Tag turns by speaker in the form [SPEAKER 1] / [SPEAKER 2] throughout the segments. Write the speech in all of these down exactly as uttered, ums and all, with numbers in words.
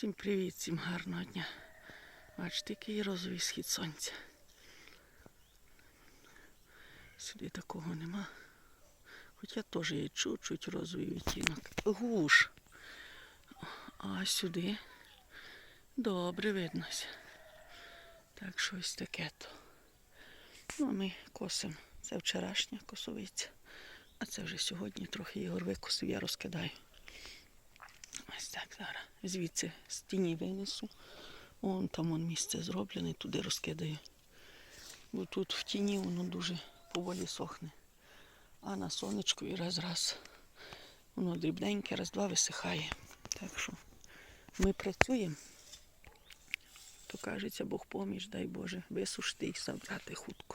[SPEAKER 1] Всім привіт, всім гарного дня. Бачите, який розовий схід сонця. Сюди такого нема. Хоча теж є чуть-чуть розовий відтінок. Гуш. А сюди добре виднося. Так, щось таке то. Ну, а ми косимо. Це вчорашня косовиця. А це вже сьогодні трохи Ігор викосив, я розкидаю. Ось так зараз. Звідси з тіні винесу. Вон там вон місце зроблене, туди розкидаю. Бо тут в тіні воно дуже поволі сохне. А на сонечку і раз-раз воно дрібненьке, раз-два висихає. Так що ми працюємо. То кажеться, Бог поміч, дай Боже, висушити і забрати хутко.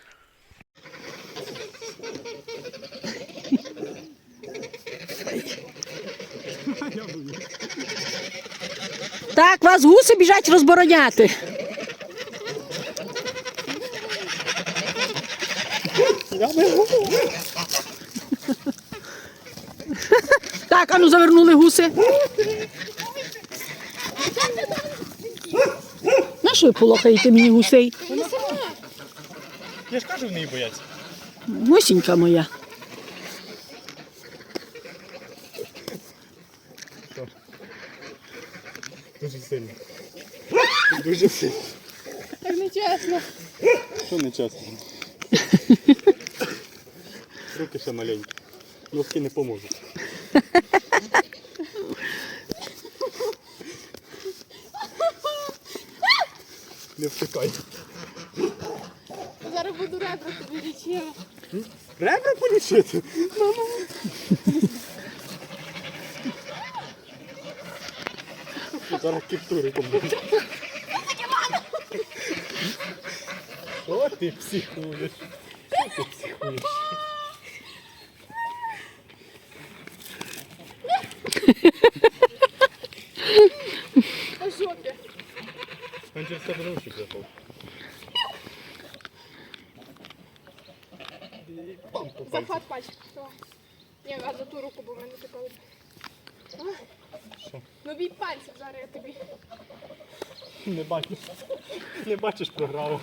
[SPEAKER 1] Так, вас гуси біжать розбороняти. Так, ану завернули гуси. На що ви полохаєте мені гусей?
[SPEAKER 2] Я ж кажу, в неї бояться.
[SPEAKER 1] Гусінька моя.
[SPEAKER 2] Дуже сильно. Дуже сильно.
[SPEAKER 3] Так нечесно.
[SPEAKER 2] Що не чесно? Руки ще маленькі. Носки не поможуть. Не втикай.
[SPEAKER 3] Зараз буду ребра тобі лічила.
[SPEAKER 2] Ребра полічити? Мамо. Зараз кіптури помогу. О, ти психуєш. Що ти психуєш?
[SPEAKER 3] По жопі.
[SPEAKER 2] Він через тебе ручки прийшов.
[SPEAKER 3] Захват пальчик. Ні, а за ту руку, бо в мене така от.
[SPEAKER 2] Що?
[SPEAKER 3] Ну бій пальців зараз я тобі.
[SPEAKER 2] Не бачиш. Не бачиш програму.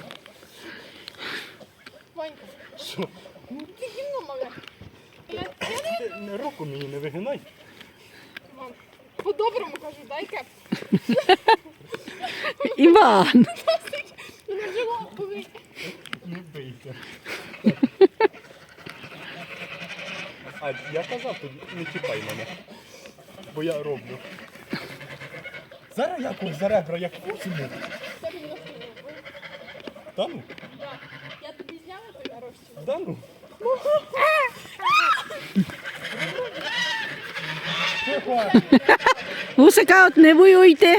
[SPEAKER 3] Ванька,
[SPEAKER 2] Що?
[SPEAKER 3] ну ти гімно мале. Я, я не...
[SPEAKER 2] Ти не руку мені не вигинай.
[SPEAKER 3] Мам, по-доброму кажу, дай кеп.
[SPEAKER 1] Іван!
[SPEAKER 3] Мене жило болить.
[SPEAKER 2] Не бийся. А я казав тобі, не чіпай мене. Бо я роблю. Зараз я кух за ребра, як кусимо.
[SPEAKER 3] Це мені носки не було.
[SPEAKER 2] Та ну?
[SPEAKER 3] Так. Я тобі зняла той нарощив.
[SPEAKER 2] Да ну?
[SPEAKER 1] Гусика от не воюйте.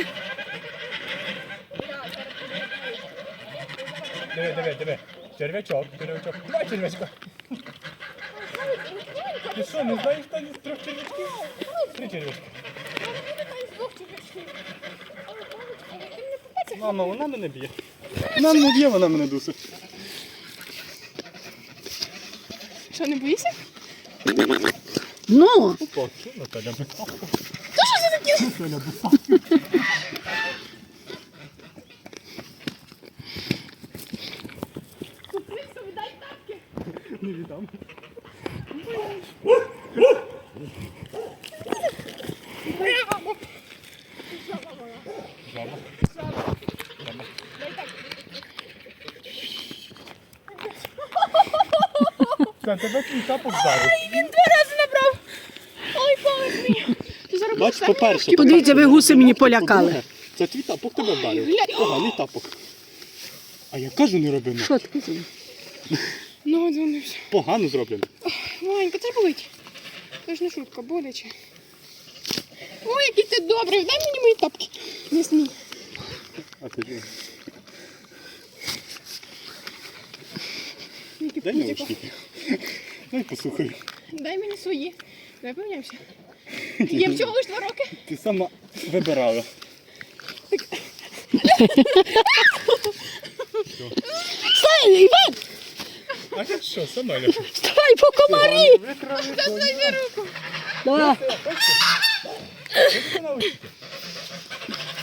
[SPEAKER 2] Диви, диви, диви. Черв'ячок, черв'ячок. Давай черв'ячка. Ти що, не знаєш там із трьох черв'ячків? Три черв'ячки. Мама, вона мене б'є. Вона мене б'є, вона мене дусить.
[SPEAKER 3] Що, не боїшся?
[SPEAKER 1] Ну,
[SPEAKER 2] Опа, що Наталя бисавка?
[SPEAKER 3] Та що це таке?
[SPEAKER 2] Наталя бисавка.
[SPEAKER 3] Купився, віддай тапки.
[SPEAKER 2] Не віддам. Жаба.
[SPEAKER 3] Дай тапки.
[SPEAKER 2] Це тебе твій тапок вдарив.
[SPEAKER 3] Він два рази набрав. Ой, помиш мені. Ти зараз
[SPEAKER 2] Бач, по-перше,
[SPEAKER 1] подивіться, ви гуси мені полякали.
[SPEAKER 2] по-друге, це твій тапок тебе вдарив.
[SPEAKER 3] Глянь.
[SPEAKER 2] Поганий тапок. А я кажу, не роби.
[SPEAKER 1] Що ти казав?
[SPEAKER 3] Ну, дзвонився.
[SPEAKER 2] Погано зроблено.
[SPEAKER 3] Ванька, це ж болить. Це ж не шутка, боляче. Ой, який ти добрий, дай мені мої тапки. Не смій.
[SPEAKER 2] А ти ж.
[SPEAKER 3] Який
[SPEAKER 2] Дай
[SPEAKER 3] пузико.
[SPEAKER 2] наушники. Дай послухай.
[SPEAKER 3] Дай мені свої. Давай поміняємося. Є всього лиш два роки.
[SPEAKER 2] Ти сама вибирала.
[SPEAKER 1] Стай, Іван!
[SPEAKER 2] А я що, сама Леша?
[SPEAKER 1] Вставай по комарі!
[SPEAKER 3] Дай мені руку.
[SPEAKER 1] Да.
[SPEAKER 2] Ось це. Ось це наушники.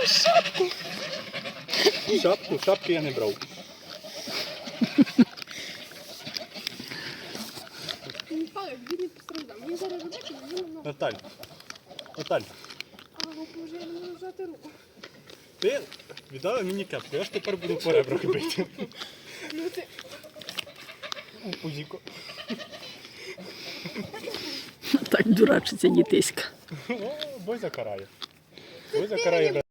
[SPEAKER 3] шапку.
[SPEAKER 2] Шапку, шапки я не брав.
[SPEAKER 3] Михайло, він не постраждав. Мені зараз робити, мені не можна.
[SPEAKER 2] Наталь. Наталь,
[SPEAKER 3] А, боже, я не можу взяти руку.
[SPEAKER 2] ти віддала мені кепку, я ж тепер буду по ребрах бити.
[SPEAKER 3] Ну ти...
[SPEAKER 2] Пузіко.
[SPEAKER 1] Так дурачиться дітиська.
[SPEAKER 2] О, Бозя карає. Бозя карає.